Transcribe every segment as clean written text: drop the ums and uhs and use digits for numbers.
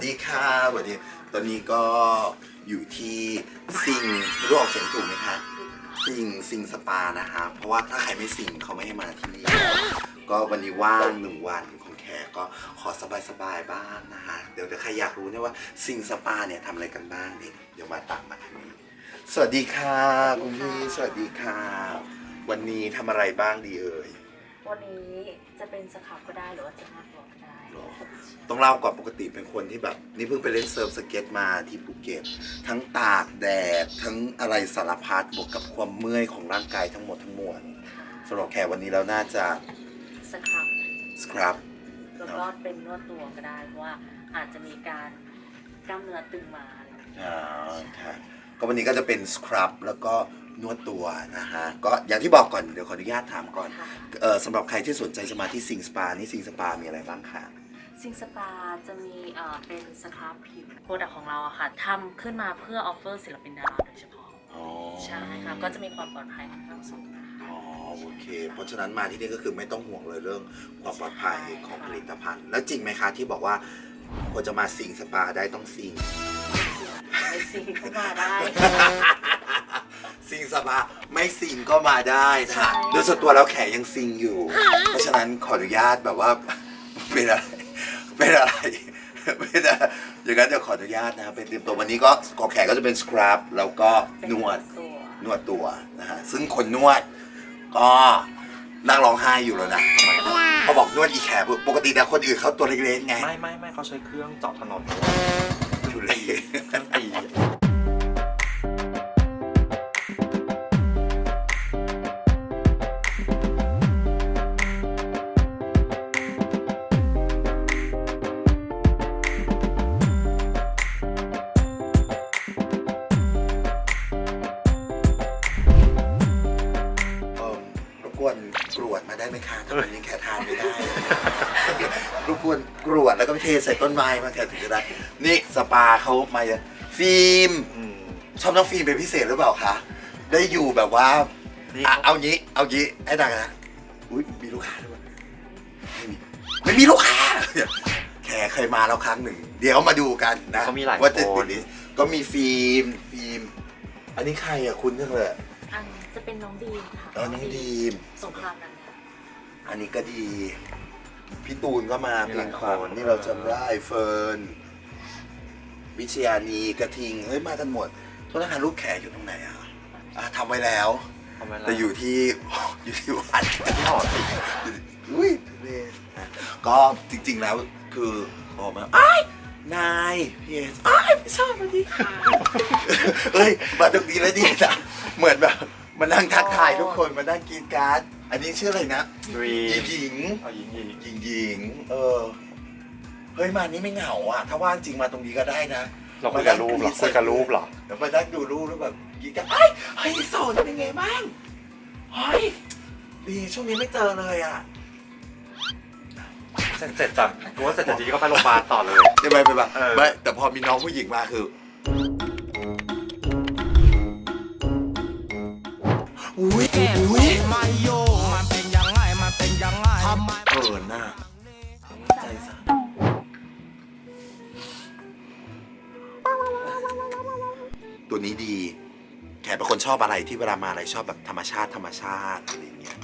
ดีค่ะสวัสดีตอนนี้ก็อยู่ที่ซิงไม่รู้ออกเสียงถูกไหมคะซิงสปานะคะเพราะว่าถ้าใครไม่ซิงเขาไม่ให้มาที่นี่ก็วันนี้ว่าง1 วันของแขกก็ขอสบายๆบ้างนะคะเดี๋ยวใครอยากรู้เนี่ยว่าซิงสปาเนี่ยทำอะไรกันบ้างเนี่ยเดี๋ยวมาตามมาทางนี้สวัสดีค่ะคุณพี่สวัสดีค่ะวันนี้ทำอะไรบ้างดีเอ่ยวันนี้จะเป็นสครับก็ได้หรือว่าจะมากกว่าก็ได้ต้องเล่าก่อนปกติเป็นคนที่แบบนี่เพิ่งไปเล่นเซิร์ฟสเก็ตมาที่ภูเก็ตทั้งตากแดดทั้งอะไรสารพัดบวกกับความเมื่อยของร่างกายทั้งหมดทั้งมวลสำหรับแขกวันนี้เราน่าจะสครับแล้วก็เป็นนวดตัวก็ได้เพราะว่าอาจจะมีการกล้ามเนื้อตึงมาค่ะก็วันนี้ก็จะเป็นสครับแล้วก็นวดตัวนะฮะก็อย่างที่บอกก่อนเดี๋ยวขออนุญาตถามก่อนสำหรับใครที่สนใจจะมาที่ซิงสปานี่ซิงสปามีอะไรบ้างคะซิงสปาจะมีเป็นสครับผิวโปรดักต์ของเราอะค่ะทำขึ้นมาเพื่อออฟเฟอร์ศิลปินดาราโดยเฉพาะใช่ค่ะก็จะมีความปลอดภัยค่อนข้างสูงโอเคเพราะฉะนั้นมาที่นี่ก็คือไม่ต้องห่วงเลยเรื่องความปลอดภัยของผลิตภัณฑ์แล้วจริงไหมคะที่บอกว่าคนจะมาซิงสปาได้ต้องซิงไม่ซิงก็มาได้ซิงสปาไม่ซิงก็มาได้ค่ะโดยส่วนตัวแล้วแขยังซิงอยู่เพราะฉะนั้นขออนุญาตแบบว่าเป็นอะไรอย่างนั้นจะขออนุญาตนะครับเป็นเตรียมตัววันนี้ก็กอแขกก็จะเป็นสครับแล้วก็นวดตัวนะฮะซึ่งคนนวดก็นั่งร้องไห้อยู่แล้วนะเขาบอกนวดอีแขกปกติแต่คนอื่นเขาตัวเล็กๆไงไม่เขาใช้เครื่องเจาะถนนทุเรศเครื่องตีกรวดมาได้ไหมคะทำไมยังแค่ทานไม่ได้รบกวนกรวดแล้วก็ไปเทใส่ต้นไม้มาแค่ถึงจะได้นี่สปาเขามาฟิล์มชอบน้องฟิล์มเป็นพิเศษหรือเปล่าคะได้อยู่แบบว่าเอางี้ให้ดังนะอุ้ยมีลูกค้าด้วยไม่มีลูกค้าแค่เคยมาแล้วครั้งหนึ่งเดี๋ยวมาดูกันนะว่าจะติดก็มีฟิล์มอันนี้ใครอ่ะคุณเรื่องเลยอันจะเป็นน้องดีมค่ะน้องดีมสงครามนั้นอันนี้ก็ดีพี่ตูนก็มาเพลงขวัญนี่เราจำได้เฟิร์นวิชยานีกระทิงเฮ้ยมากันหมดโทษนะคะลูกแขกอยู่ตรงไหนอ่ะทำไว้แล้วแต่อยู่ที่วัดที่หอศิลป์อุ้ยก็จริงๆแล้วคือออกมานายพี่เอสไม่ชอบวันนี้เฮ้ยมาตรงนี้แล้วดีนะเหมือนแบบมานั่งทักทายทุกคนมานั่งกินการ์ดอันนี้ชื่ออะไรนะหญิงเฮ้ยมานี่ไม่เหงาอ่ะถ้าว่างจริงมาตรงนี้ก็ได้นะเราคุยกับรูปเหรอเดี๋ยวมานั่งดูรูปแล้วแบบกินกันเฮ้ยโสดเป็นไงบ้างเฮ้ยดีช่วงนี้ไม่เจอเลยอ่ะเสร็จจากกูว่าเสร็จจากนี้ก็ไปโรงพยาบาลต่อเลยไม่แต่พอมีน้องผู้หญิงมาคืออุ้ยมาโยมันเป็นยังไงเปิดหน้าใจสั่นตัวนี้ดีแขกเป็นคนชอบอะไรที่เวลามาอะไรชอบแบบธรรมชาติอะไรอย่างเงี้ย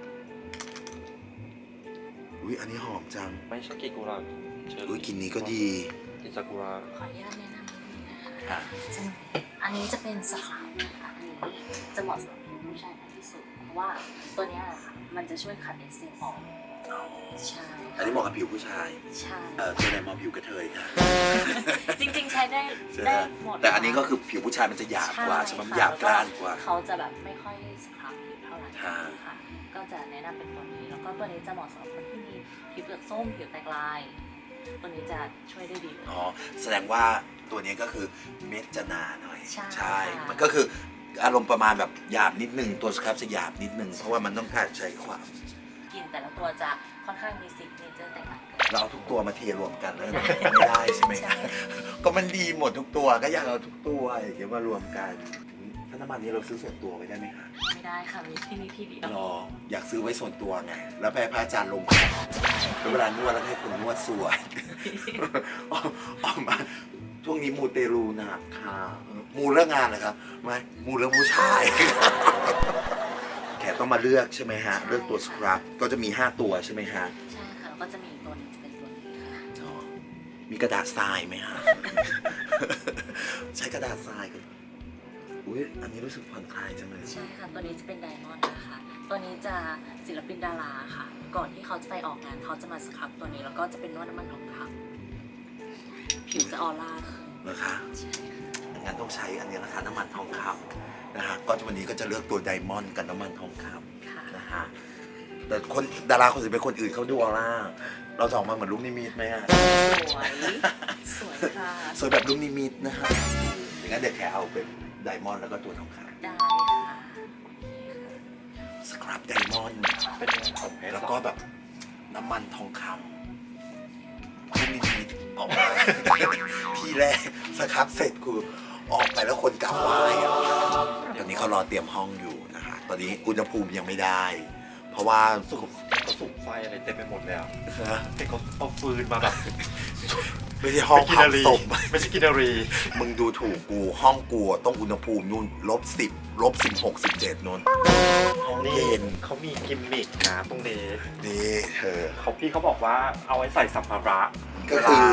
อุ้ยอันนี้หอมจังไม่ใช่กิกุระอุ้ยกลิ่นนี้ก็ดีกิซากุระขออนุญาตแนะนำนิดนึงนะคะอันนี้จะเป็นสครับนะคะอันนี้จะเหมาะสำหรับผู้ชายมากที่สุดเพราะว่าตัวนี้ค่ะมันจะช่วยขัดเอสเซนออกใช่อันนี้เหมาะกับผิวผู้ชายใช่ตัวไหนเหมาะผิวกระเทยค่ะจริงๆใช้ได้หมดแต่อันนี้ก็คือผิวผู้ชายมันจะหยาบกว่าใช่ไหมหยาบกร้านกว่าเขาจะแบบไม่ค่อยสครับผิวเท่าไหร่ค่ะก็จะแนะนำเป็นตัวนี้แล้วก็ตัวนี้จะเหมาะสำหรับคนที่มีผิวเปลือกส้มผิวแตกลายตัวนี้จะช่วยได้ดีเลยแสดงว่าตัวนี้ก็คือเม็ดจะหนาหน่อยใช่มันก็คืออารมณ์ประมาณแบบหยาบนิดนึงตัวสครับจะหยาบนิดนึงเพราะว่ามันต้องการใช้ความกลิ่นแต่ละตัวจะค่อนข้างมีซิกเนเจอร์แตกต่างกันเราเอาทุกตัวมาเทรวมกันแล้วไม่ได้ใช่ไหมก็มันดีหมดทุกตัวก็อยากเอาทุกตัวอย่างเงี้ยมารวมกันถ้าน้ำมันนี้เราซื้อส่วนตัวไว้ได้ไหมคะไม่ได้ค่ะมีที่นี่ที่เดียวอยากซื้อไว้ส่วนตัวไงแล้วแพ้พระอาจารย์ลงแล้วเวลานวดแล้วให้คนนวดสวยออกมาช่วงนี้มูเตลูหนักค่ะมูเรื่องงานเหรอครับไม่มูเรื่องผู้ชาย แขกต้องมาเลือกใช่ไหมฮะเลือกตัวสครับก็จะมี5ตัวใช่ไหมฮะใช่ค่ะแล้วก็จะมีอีกตัวหนึงจะเป็นตัวนี้ค่ะอ๋อมีกระดาษทรายไหมฮะ ใช้กระดาษทรายกันอุ้ยอันนี้รู้สึกผ่อนคลายจังเลยใช่ค่ะตัวนี้จะเป็นไดมอนด์นะคะตัวนี้จะศิลปินดาราค่ะ ก่อนที่เขาจะไปออกงานเขาจะมาสครับตัวนี้แล้วก็จะเป็นนวดน้ำมันทองคำผิวจะออร่าขึ้นนะคะใช่ค่ะงั้นต้องใช้อันนี้นะคะน้ำมันทองคำนะฮะก็วันนี้ก็จะเลือกตัวไดมอนด์กับน้ำมันทองคค่ะำนะฮะแต่คนดาราคนอื่นเป็นคนอื่นเขาดูออร่าเราจะออกมาเหมือนลูกนิมิตไหมฮะสวยสวยค่ะสวยแบบลูกนิมิตนะฮะอย่างนั้นเดี๋ยวแค่เอาเป็นไดมอนด์แล้วก็ตัวทองคได้ค่ะำสครับไดมอนด์เป็นยังไงของเพชรแล้วก็แบบน้ำมันทองคำลูกนิมิตออกมา ที่แรกสครับเสร็จคือออกไปแล้วคนกลับไหว้อะตอนนี้เขารอเตรียมห้องอยู่นะฮะตอนนี้อุณหภูมิยังไม่ได้ เพราะว่าเขาสุกไฟอะไรเต็มไปหมดเลยอ่ะนะเห็นเขาเอาฟืนมาแบบไม่ใช่ห้องกินเผานารีศพไม่ใช่กินนารีมึงดูถูกกูห้องกูต้องอุณหภูมินู่น-10 -16 17นู่นห้องนี่เย็นเขามีกิมมิกนะตรงนี้นี่เธอเขาพี่เขาบอกว่าเอาไว้ใส่สัมภาระก็คือ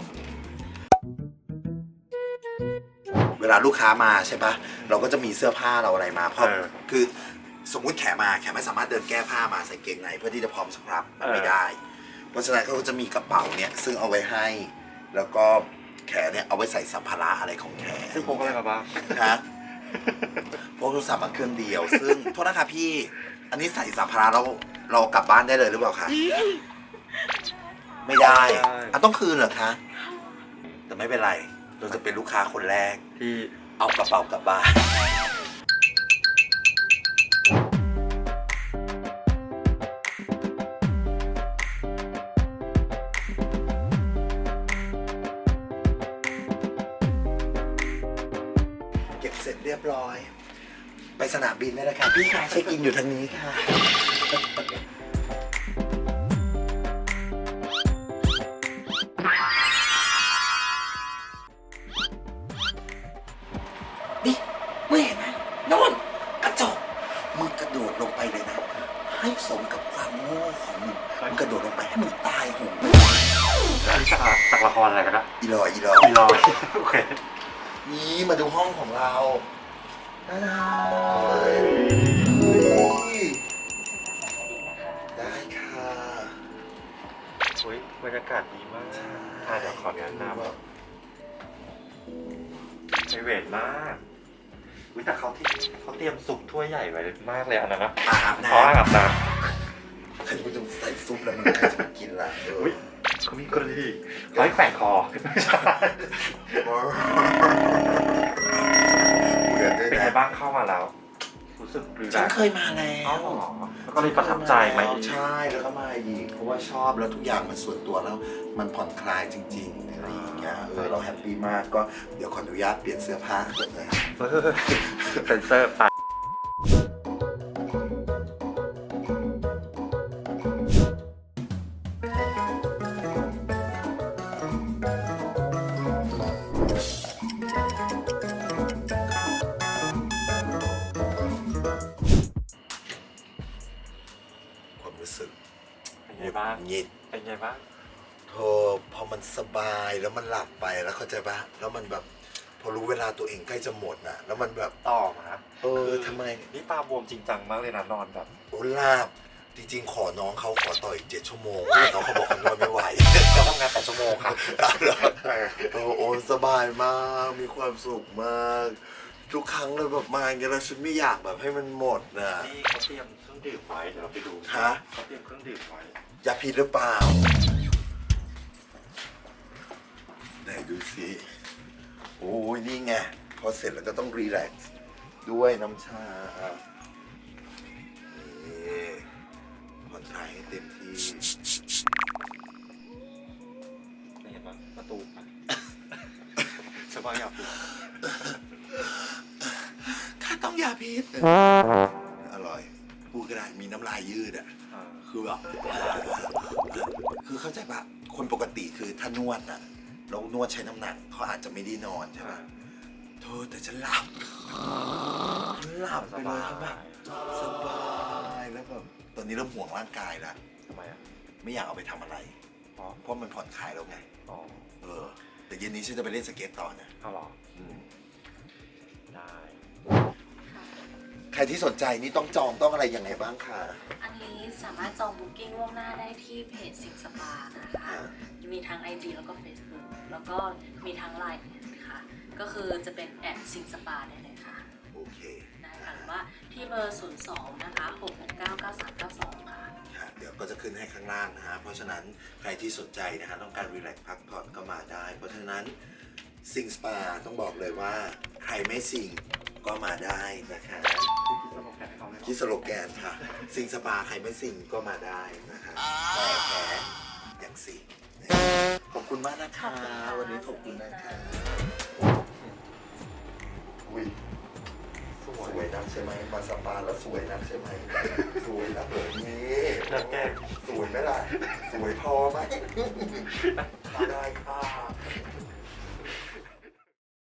เวลาลูกค้ามาใช่ปะเราก็จะมีเสื้อผ้าเราอะไรมาเพราะคือสมมุติแขมาแขไม่สามารถเดินแก้ผ้ามาใส่เกงในเพื่อที่จะพร้อมสครับมันไม่ได้ เพราะฉะนั้นเขาก็จะมีกระเป๋าเนี่ยซึ่งเอาไว้ให้ แล้วก็แขเนี่ยเอาไว้ใส่สัมภาระอะไรของแขซึ่งพกอะไรมาบ้างนะพกโทรศัพท์มาเครื่องเดียว ซึ่งโทษนะคะพี่ อันนี้ใส่สัมภาระแล้วเรากลับบ้านได้เลยหรือเปล่าคะไม่ได้อ่ะต้องคืนเหรอคะแต่ไม่เป็นไร เราจะเป็นลูกค้าคนแรกที่เอากระเป๋ากลับบ้านเก็บเสร็จเรียบร้อย ไปสนามบินได้แล้วค่ะพี่คะเช็คอินอยู่ทางนี้ค่ะ นี่มึงเห็นไหมโน่นกระจกมึงกระโดดลงไปเลยนะ ให้สมกับความโง่ของมึงมึงกระโดดลงไปให้มึงตายโหงจากละครอะไรกันนะอีลอยอีลอย โอเคนี่มาดูห้องของเราได้ค่ะเฮ้ยบรรยากาศดีมากเดี๋ยวขอแนะนำไพรเวทมากอุ๊ยแต่เขาเตรียมซุปถ้วยใหญ่ไว้มากเลยอันนั้นนะอาบน้อ๋ออาบน้ำใครมึงจะใส่ซุปแล้วมึงใครจะมากินล่ะำอุ๊ยเขามีกรณีร้อยแขวนคอไม่ใช่เบื่อด้วยเป็นไงนะบ้างเข้ามาแล้ว รู้สึกรีแลฉันกซ์เคยมาแล้อ๋อวเหรอแล้วก็เลยประทับใจไหมใช่แล้วก็มาอีกเพราะว่าชอบแล้วทุกอย่างมันส่วนตัวแล้วมันผ่อนคลายจริงๆอะไรอย่างเงี้ยเราแฮปปี้มากก็เดี๋ยวขออนุญาตเปลี่ยนเสื้อผ้าก่อนนะเซนเซอร์ไปความรู้สึกเป็นไงบ้างหงิดเป็นไงบ้างโธ่พอมันสบายแล้วมันหลับไปแล้วเข้าใจปะแล้วมันแบบพอรู้เวลาตัวเองใกล้จะหมดน่ะแล้วมันแบบต่อมาทำไมนี่ตาบวมจริงจังมากเลยนะนอนแบบโอ้ลาบจริงๆขอน้องเขาขอต่ออีก7 ชั่วโมงแต่น้องเขาบอกเขานอนไม่ไหวจะทำงาน8 ชั่วโมงค่ะโอ้สบายมากมีความสุขมาก ทุกครั้งเลยแบบมาอย่างเงี้ยแล้วฉันไม่อยากแบบให้มันหมดนะนี่เขาเตรียมเครื่องดื่มไว้เดี๋ยวเราไปดูฮะเขาเตรียมเครื่องดื่มไว้ยาพิษหรือเปล่าไหนดูสิโอ้ยนี่ไงพอเสร็จแล้วก็ต้องรีแลกซ์ด้วยน้ำชานี่ผ่อนคลายให้เต็มที่เห็นปะประตูปะสบายอยากดูข้าต้องยาพิษอร่อยพูดก็ได้มีน้ำลายยืดอ่ะ คือแบบคือเข้าใจปะคคนปกติคือถ้านวดอะแล้วนวดใช้น้ำหนักเขาอาจจะไม่ได้นอนใช่ไหมเธอแต่ฉันหลับไปเลยครับแบบสบายแล้วแบบตอนนี้เริ่มห่วงร่างกายแล้วทำไมอ่ะไม่อยากเอาไปทำอะไรอ๋อเพราะมันผ่อนคลายแล้วไงอ๋อแต่เย็นนี้ฉันจะไปเล่นสเก็ตต่อนะเอาเหรอได้ใครที่สนใจนี่ต้องจองต้องอะไรยังไงบ้างคะอันนี้สามารถจองบุ๊กิ้งล่วงหน้าได้ที่เพจสิงสปานะคะมีทั้ง IG แล้วก็ Facebook แล้วก็มีทั้ง Line ค่ะก็คือจะเป็นแอดสิงสปาได้เลยค่ะโอเคได้ค่ะหรือว่าที่เบอร์ 02 นะคะ 6699392 ค่ะค่ะเดี๋ยวก็จะขึ้นให้ข้างล่างนะฮะ เพราะฉะนั้นใครที่สนใจนะฮะต้องการรีแลกซ์พักผ่อนก็มาได้ เพราะฉะนั้นซิงสปาต้องบอกเลยว่าใครไม่ซิงก็มาได้นะคะคิดสโลแกนค่ะซิงสปาใครไม่ซิงก็มาได้นะคะแต่แพ้อย่างซิงขอบคุณมากนะคะ วันนี้ขอบคุณนะคะอุ้ยสวยนักใช่ไหมมาสปาแล้วสวยนักใช่ไหมสวยนักแบบนี้นักแก้สวยไหมล่ะ สวยพอไหมได้ค่ะ